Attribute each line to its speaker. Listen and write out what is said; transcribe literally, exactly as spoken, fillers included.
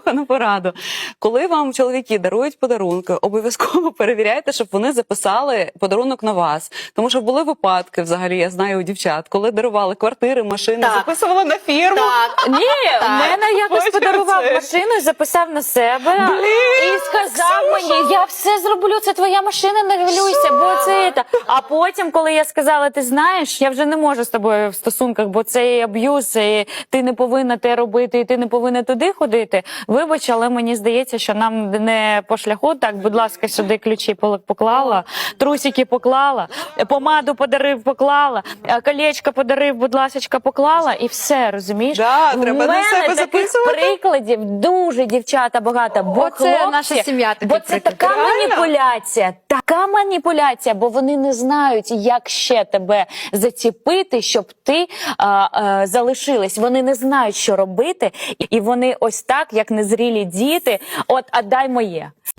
Speaker 1: неслухану пораду. Коли вам чоловіки дарують подарунки, обов'язково перевіряйте, щоб вони записали подарунок на вас. Тому що були випадки, взагалі, я знаю у дівчат, коли дарували квартири, машини,
Speaker 2: Так.
Speaker 1: записували на фірму.
Speaker 2: Так.
Speaker 3: Ні, в мене якось
Speaker 1: Потім
Speaker 3: подарував
Speaker 1: це-
Speaker 3: машину і записав на себе.
Speaker 1: Блін,
Speaker 3: І сказав мені, я все зроблю, це твоя машина, не хвилюйся, бо це та. А потім, коли я сказала, ти знаєш, я вже не можу з тобою в стосунках, бо це аб'юз, і ти не повинна те робити, і ти не повинна туди ходити. Вибач, але мені здається, що нам не по шляху. Так, будь ласка, сюди ключі поклала, трусики поклала, помаду подарив, поклала, колечко подарив, будь ласка, поклала, і все, розумієш?
Speaker 1: Да,
Speaker 3: У
Speaker 1: треба на
Speaker 3: мене
Speaker 1: себе
Speaker 3: таких
Speaker 1: записувати.
Speaker 3: прикладів дуже, дівчата, багато. Бо
Speaker 2: Оце
Speaker 3: хлопці,
Speaker 2: наша сім'я такий
Speaker 3: бо це
Speaker 2: приклад.
Speaker 3: така
Speaker 1: Реально?
Speaker 3: маніпуляція, така маніпуляція, бо вони не знають, як ще тебе заціпити, щоб ти а, а, залишилась. Вони не знають, що робити, і вони ось так, як незрілі діти, от, а дай моє.